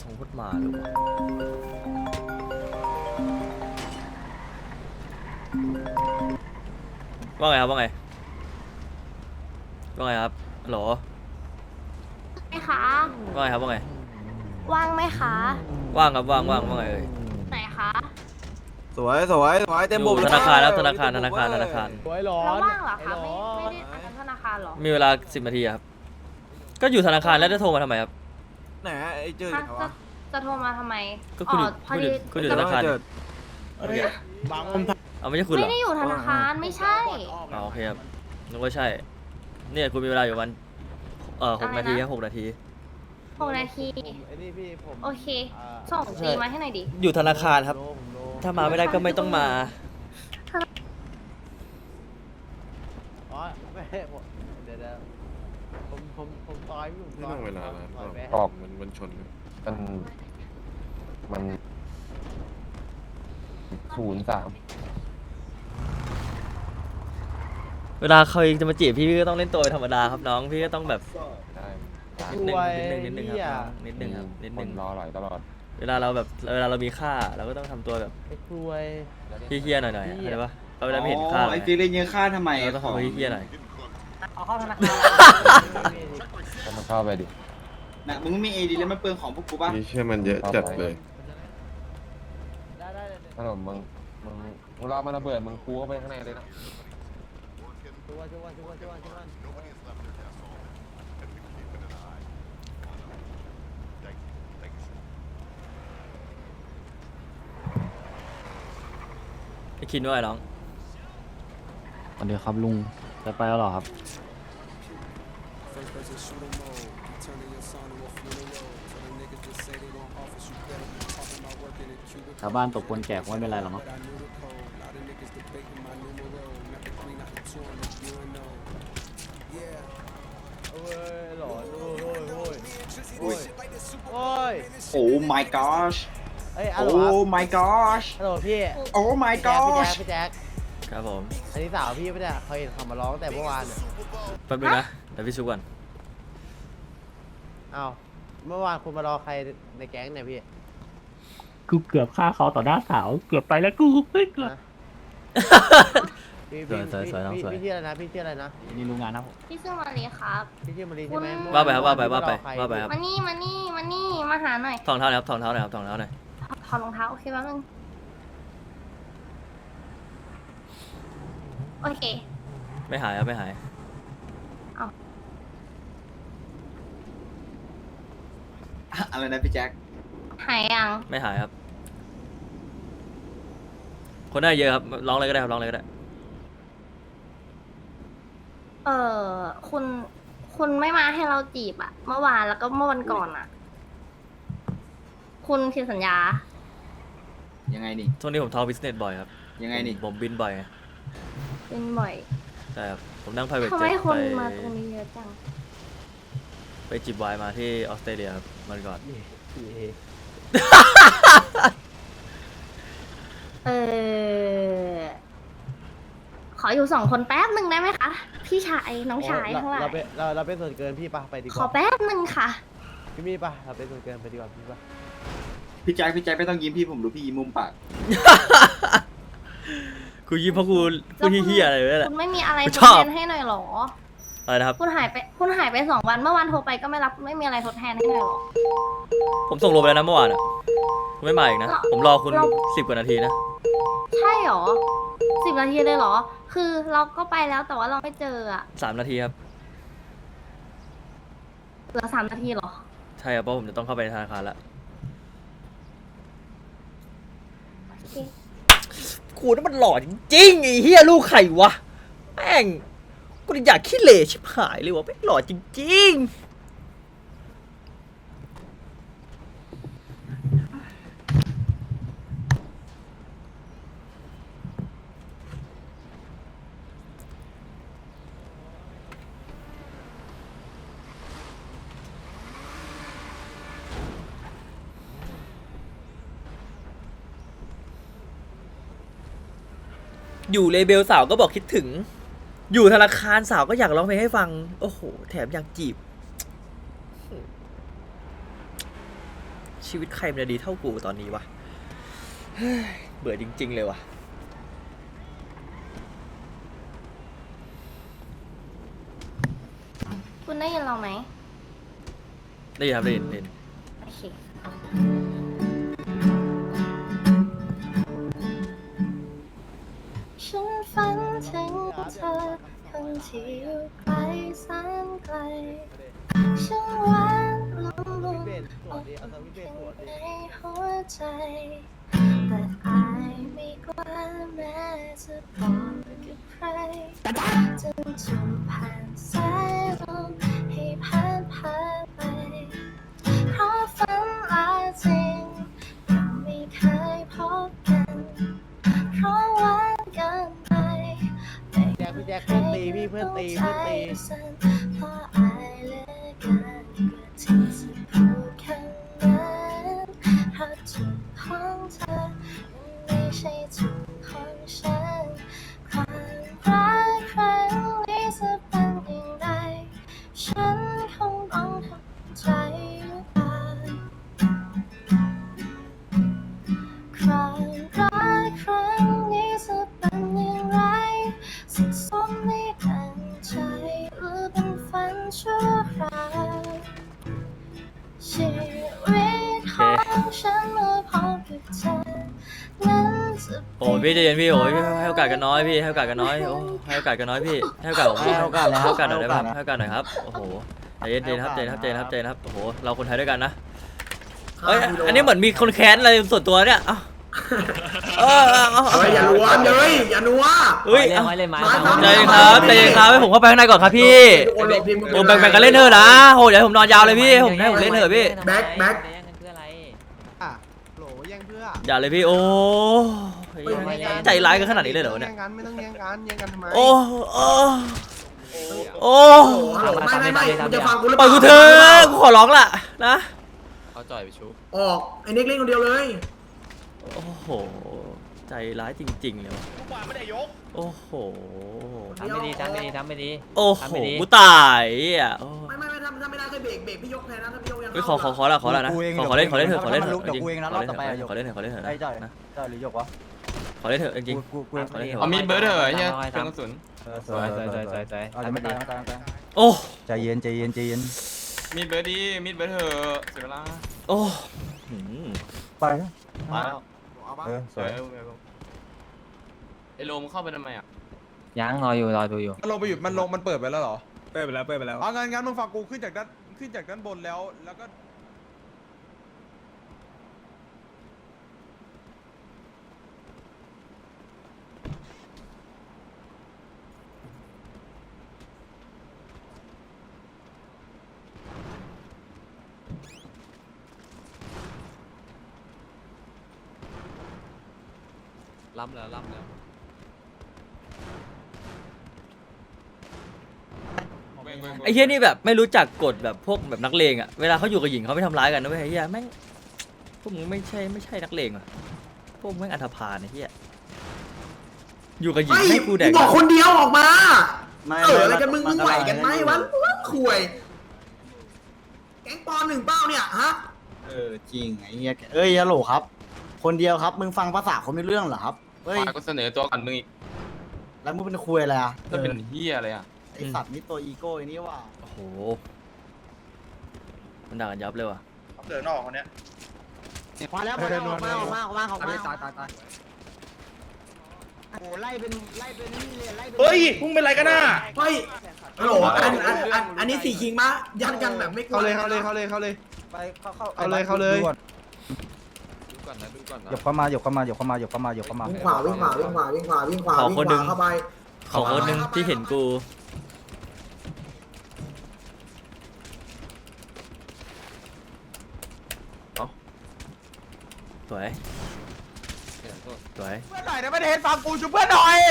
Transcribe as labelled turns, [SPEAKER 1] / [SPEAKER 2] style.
[SPEAKER 1] ทงพุทธมาหรือเปล่าว่าไงครับว่าไงว่าไงครับฮัลโหล
[SPEAKER 2] ไหมคะ
[SPEAKER 1] ว่าไงครับว่าไง
[SPEAKER 2] ว่างไหมคะ
[SPEAKER 1] ว่างครับว่างว่างว่าไงเอ่ย
[SPEAKER 2] ไหนคะ
[SPEAKER 3] สวยสวยสวยเต็ม
[SPEAKER 1] อ
[SPEAKER 3] บุ
[SPEAKER 1] ยู่
[SPEAKER 3] ก
[SPEAKER 1] ธนาคารแล้วธนาคารธนาคารธนาคาร
[SPEAKER 4] สวยร้อ
[SPEAKER 2] แล้ว
[SPEAKER 4] น
[SPEAKER 2] ว่างเหรอคะ
[SPEAKER 4] ไอ้
[SPEAKER 2] ไม่
[SPEAKER 4] ร้อน
[SPEAKER 2] ได้ทำธนาคารเหรอ
[SPEAKER 1] มีเวลา10 นาทีครับก็อยู่ธนาคารแล้วจะโทรมาทำไมครับ
[SPEAKER 3] ไหนไอ้เจอ
[SPEAKER 2] ฮะ
[SPEAKER 3] ไหน
[SPEAKER 2] จะ
[SPEAKER 3] วะ
[SPEAKER 2] จะโทรมาทำไม
[SPEAKER 1] ก็คุณอยู่
[SPEAKER 2] พอดี
[SPEAKER 1] คุณอยู่ธนาคาร
[SPEAKER 3] เจอ
[SPEAKER 1] โอเค
[SPEAKER 4] บาง
[SPEAKER 1] เอาไม่ใช่คุณเหร
[SPEAKER 2] ไม่
[SPEAKER 1] อ
[SPEAKER 2] ได้อยู่ธนาคารไม่ใช่
[SPEAKER 1] อ๋อโอเคครับนึกว่าใช่เนี่ยคุณมีเวลาอยู่วัน6 นาทีครับ6 นาที
[SPEAKER 2] 6 นาที
[SPEAKER 4] ไอ้นี่พี่ผม
[SPEAKER 2] โอเค ส่งตีมาให้หน่อยดิ
[SPEAKER 1] อยู่ธนาคารครับ
[SPEAKER 4] ผมโล
[SPEAKER 1] ถ้ามาไม่ได้ก็ไม่ต้องมา
[SPEAKER 4] อ๋อไม่ผมเดี๋ยวผมต่อยพี่ผม
[SPEAKER 5] ไม่
[SPEAKER 4] ต่อ
[SPEAKER 5] ต้
[SPEAKER 4] ย
[SPEAKER 5] องเวลานะ
[SPEAKER 4] ต่อยแม่
[SPEAKER 6] ออก
[SPEAKER 5] มันชนกัน
[SPEAKER 6] มัน03
[SPEAKER 1] เวลาเขาจะมาจีบพี่ก็ต้องเล่นตัวธรรมดาครับน้องพี่ก็ต้องแบบ
[SPEAKER 6] ได้
[SPEAKER 1] นิดนึงครับน้องนิดนึงครับนิดนึง
[SPEAKER 6] คนรอหลายตลอด
[SPEAKER 1] เวลาเรามีค่าเราก็ต้องทำตัวแบบ
[SPEAKER 4] ไอ้กล้วย
[SPEAKER 1] พี่เฮี้ยหน่อยๆเข้าใจปะเราเวลาไม่เห็นค่า
[SPEAKER 7] ไอ้ฟิลเล่นเยอะค่าทำไม
[SPEAKER 1] เราต้องขอพี่เฮี้ยหน่อย
[SPEAKER 2] เอาเข้าธนาคาร
[SPEAKER 6] ก็มาเข้าไปดิ
[SPEAKER 7] นะมึงไม่มีเอดีแล้วมันเปลืองของพวกกูป่ะ
[SPEAKER 5] นี่เชื่อมันเยอะจัดเลย
[SPEAKER 4] ได้
[SPEAKER 6] ขนมมึงรอมันระเบิดมึงคูเข้าไปข้างในเลยนะ
[SPEAKER 4] ช่วย
[SPEAKER 1] ไอ้คินด้วยน้อง
[SPEAKER 8] สวัสดีครับลุงจะไปแล้วเหรอครับชาวบ้านตกคนแก่คงไม่เป็นไรหรอกเนาะ
[SPEAKER 4] โอ้ยหลอนโอ้ย
[SPEAKER 7] โอ้ my gosh
[SPEAKER 4] เอ้ย
[SPEAKER 7] โอ้ my
[SPEAKER 4] ฮั
[SPEAKER 7] gosh
[SPEAKER 4] ลโหลพี่
[SPEAKER 7] โอ้ my
[SPEAKER 4] พี่
[SPEAKER 7] gosh
[SPEAKER 4] แจ๊ค
[SPEAKER 1] ครับผม
[SPEAKER 4] อันนี้สาวพี่ไม่ได้เคยเห็นเขามาร้องแต่เมื่อวานเนี่ย
[SPEAKER 1] แป๊บนึงนะเดี๋ยวพี่ชุบก่อน
[SPEAKER 4] อ้าวเมื่อวานคุณมารอใครในแก๊งเนี่ยพี่
[SPEAKER 8] กูเกือบฆ่าเขาต่อหน้าสาวเกือบไปแล้วกูเฮ้ยเกือบ
[SPEAKER 4] พี่
[SPEAKER 1] สวยน้องสวย
[SPEAKER 4] พี่ชื่ออะไรนะพี่ชื่ออะไรนะ
[SPEAKER 8] นี่ลุงงานนะผม
[SPEAKER 2] พี่ชื่อมารีครับ
[SPEAKER 4] พี่ชื่อมารีใช่ไหม
[SPEAKER 2] คุณ
[SPEAKER 1] ว่าไปครับว่าไป
[SPEAKER 4] เมื่อ
[SPEAKER 1] ว่าไป
[SPEAKER 4] รอใคร
[SPEAKER 1] ว่าไปครับ
[SPEAKER 2] มานี่มาหาหน่อย
[SPEAKER 1] ทองเท้าหน่อยครับทองเท้าหน่อยครับทองเท้าหน่อย
[SPEAKER 2] ถอดรองเท้าโอเคแป๊บนึงโอเค
[SPEAKER 1] ไม่หายครับไม่หาย
[SPEAKER 7] อะไรนะพี่แจ็ค
[SPEAKER 2] หายยัง
[SPEAKER 1] ไม่หายครับ คนได้เยอะครับร้องเลยก็ได้ครับร้องเลยก็ได้
[SPEAKER 2] เออคุณไม่มาให้เราจีบอะเมื่อวานแล้วก็เมื่อวันก่อนอะคุณผิดสัญญา
[SPEAKER 7] ยังไงนี่
[SPEAKER 1] ช่วงนี้ผมทอบิสเนสบ่อยครับ
[SPEAKER 7] ยังไงนี่
[SPEAKER 1] ผมบินบ่อยไง
[SPEAKER 2] เป็นบ่อย
[SPEAKER 1] ใช่ครับผมนั่ง private
[SPEAKER 2] ทำไม
[SPEAKER 1] jet
[SPEAKER 2] คน
[SPEAKER 1] ไป
[SPEAKER 2] มาตรงนี้เยอะจัง
[SPEAKER 1] ไปจิบไวน์มาที่ออสเตรเลียครับวันก่อน
[SPEAKER 2] เออขออยู่2 คนแป๊บหนึ่งได้ไหมคะพี่ชายน้องชายทั้งหลาย
[SPEAKER 4] เราเป็นส่วนเกินพี่ปะไปดีก
[SPEAKER 2] ขอ
[SPEAKER 4] ว่า
[SPEAKER 2] แป๊บหนึ่งค่ะ
[SPEAKER 4] พี่มีปะเราเป็นส่วนเกินไปดีกว่าพี่ปะ
[SPEAKER 7] พี่แจ็คไม่ต้องยิ้มพี่ผมรู้พี่ยิ้มมุมปาก
[SPEAKER 1] กูยิ้มเพราะกูเฮี้ยๆอะไรเลยแหละ
[SPEAKER 2] คุณไม่มีอะไร
[SPEAKER 1] กู
[SPEAKER 2] ท
[SPEAKER 1] ช
[SPEAKER 2] ด
[SPEAKER 1] อบ
[SPEAKER 2] แทนให้หน่อยเหรอ
[SPEAKER 1] อะไรนะครับ
[SPEAKER 2] คุณหายไป2 วันเมื่อวานโทรไปก็ไม่รับไม่มีอะไรทดแทนให้หน่อยเหรอ
[SPEAKER 1] ผมส่งโลไปแล้วนะเมื่อวานอ่ะคุณไม่มาอีกนะ ผมรอคุณ
[SPEAKER 2] เรา
[SPEAKER 1] 10 กว่านาทีนะ
[SPEAKER 2] ใช่เหรอ10 นาทีเลยเหรอ คือเราก็ไปแล้วแต่ว่าเราไม่เจออะ
[SPEAKER 1] 3 นาทีครับ
[SPEAKER 2] เหลือ3 นาทีเหรอ
[SPEAKER 1] ใช่ครับเพราะผมจะต้องเข้าไปในธนาคารแล้ว
[SPEAKER 2] โอเค
[SPEAKER 1] กูนั่นมันหล่อจริงๆไอ้เฮียลูกไข่วะแม่งกูอยากขี้เหร่ชิบหายเลยวะแม่งหล่อจริงๆอยู่เลเบลสาวก็บอกคิดถึง อยู่ธนาคารสาวก็อยากร้องเพลงให้ฟัง โอ้โห แถมอยากจีบ ชิชีวิตใครมันจะดีเท่ากูตอนนี้วะเฮ้ยเบื่อจริงๆเลยวะ
[SPEAKER 2] คุณได้ยินเราไหม
[SPEAKER 1] ได้ยินครับได้ยิน
[SPEAKER 2] โอเคฉันฝันถึงเธอคนที่อยู่ไกลแสนไกลฉันหวานลงลุมอกในหัวใจแต่อายไม่กล้าแม้จะบอกกับใครจนถูกผ่านสายลมให้ผ่านไปเพราะฝันลาจริงยังไม่เคยพบกันเพราะหวานเกินไป
[SPEAKER 4] แจ็คพี่แจ็คเพื่อนตีพี่เพื่อนตีเพื่อนตี
[SPEAKER 2] เพราะอายเหลือเกินกว่าที่จะพูดคำนั้นเพราะทุกของเธอมันไม่ใช่ทุกของฉันความรักครั้งนี้จะเป็นอย่างไรฉันคงต้องทำใจหรือเปล่าความรักครั้งนี้จะเป็นอย่างไรสุขสมในดังใจหรือเป็นฝันชั่วคราวชีวิตของฉันเมื่อพบกับเธอนั้นจะ
[SPEAKER 1] โอ้ยพี่ใจเย็นพี่โอ้ยให้โอกาสกันน้อยพี่ให้โอกาสกันน้อยโอ้ให้โอกาสกันน้อยพี่ให้โอกาสผมให้โอกาสหน่อยได้ไหมให้โอกาสหน่อยครับโอ้โหใจเย็นครับใจเย็นครับโอ้โหเราคนไทยด้วยกันนะเอ้ยอันนี้เหมือนมีคนแค้นอะไรส่วนตัวเนี่ยเอ้า
[SPEAKER 5] อย่านัวเลยอย่านัว
[SPEAKER 1] เฮ้ย
[SPEAKER 8] เล่นไว้เล่นไม้
[SPEAKER 1] ใจเย็นครับให้ผมเข้าไปข้างในก่อนครับพี่โอ้แบ่งกันเล่นเถอะนะโหเดี๋ยวผมนอนยาวเลยพี่ผมให้ผมเล่นเถอะพี่
[SPEAKER 5] แบ็ค
[SPEAKER 8] คืออะไร
[SPEAKER 4] อ่ะโหลแย่งเพื่อ
[SPEAKER 1] อย่าเลยพี่โอ้ใจร้ายกันขนาดนี้เลยเหรอเนี่ย
[SPEAKER 4] แย่งกันไม่ต้องแย่งกันแย่งกันทำไม
[SPEAKER 1] โอ้
[SPEAKER 5] ไม่มึงจะฟังกูหรือ
[SPEAKER 1] ปล่อยกูเถอะกูขอร้องล่ะนะ
[SPEAKER 3] เขาจ่อยไปชุบ
[SPEAKER 5] ออกไอ้เน็กเล่นคนเดียวเลย
[SPEAKER 1] โอ้โหใจร้ายจริงๆเลยวะโอ้โห
[SPEAKER 8] ทำไม่ดีทำไม่ดี
[SPEAKER 1] โอ้โหกูตายอ่ะ
[SPEAKER 5] ไม่ทำไม่ได้เคยเบรกพี่ยกแทนนะถ้าพี่ยกยัง
[SPEAKER 1] เฮ้ยขอละนะขอเล่นเถอะขอเล่นเถอะจริงขอเล่นเถอะ
[SPEAKER 4] ไอ้จ่อยจ่อยหรือยกวะ
[SPEAKER 1] ขอเล่นเถอะจริง
[SPEAKER 4] กูเอง
[SPEAKER 6] เอามีดเบิร์ดเหรอเนี่ยเป็นกระสุน
[SPEAKER 4] สวยเอาจะไม่ตาย
[SPEAKER 1] โอ้
[SPEAKER 4] ใจเย็น
[SPEAKER 6] มีดเบิร์ดดีมีดเบิร์ดเหอะเสียเวลา
[SPEAKER 1] โอ้
[SPEAKER 4] ไป
[SPEAKER 3] มาแล้วเอาบ้าง
[SPEAKER 4] สวย
[SPEAKER 6] ไอ้โลมเข้าไปทำไมอ่ะ
[SPEAKER 8] ยังรอดูอยู่
[SPEAKER 9] มันลงไปหยุดมันเปิดไปแล้วเหรอ
[SPEAKER 3] เปิดไปแล้ว
[SPEAKER 9] อ๋องั้นมึงฟังกูขึ้นจากด้านบนแล้วก็
[SPEAKER 6] ล้ำแล้ว
[SPEAKER 1] ไอ้เหี้ยนี่แบบไม่รู้จักกฎแบบพวกแบบนักเลงอ่ะเวลาเขาอยู่กับหญิงเขาไม่ทำร้ายกันนะเว้ยไอ้เหี้ยแม่งพวกมึงไม่ใช่นักเลงอ่ะพวกมึงแม่งอันธพาลไอ้เหี้ยอยู่กับหญิงให้กูแดก
[SPEAKER 5] บอกคนเดียวออกมาอะไรกันมึงไหวกันไหมวะข่วยแก๊งปอ1เป้าเนี่ยฮะ
[SPEAKER 3] จริงไอ้เหี้ยเอ้ยฮัลโหลครับ คนเดียวครับมึงฟังภาษาคนไม่เรื่องเหรอครับเฮ้ย
[SPEAKER 6] ก็เสนอตัวก่อนมึงอีก
[SPEAKER 3] แล้วมึงเป็นคุยอะไรอ่ะ
[SPEAKER 6] จะเป็นเฮียอะไรอ่ะ
[SPEAKER 3] ไอสัตว์นี่ตัวอีโก้ไอ้นี่ว่า
[SPEAKER 1] โอ้โหมันด่ากันยับเลยว่ะ
[SPEAKER 3] เดินออกคนเนี้ย
[SPEAKER 5] มาแล้วมาตายโอ้ไล่เป็นนี่เลยไล่เป็น
[SPEAKER 3] เฮ้ยพุ่งเป็นไรกันน่ะ
[SPEAKER 5] เฮ้ยฮัลโหลอันนี้4คิงมายัดกันแบบไม่กลัว
[SPEAKER 9] เข้าเลย
[SPEAKER 4] ไปเข้าเลย
[SPEAKER 9] ดูก่อนนะ
[SPEAKER 4] หยบเข้ามา
[SPEAKER 5] วิ่งขวาเข้าไป
[SPEAKER 1] ขอคนหนึ่งที่เห็นกูสวย
[SPEAKER 9] เพื่อนหน่อยนะไม่ได้เห็นฟังกูช่วยเพื่อนหน่อย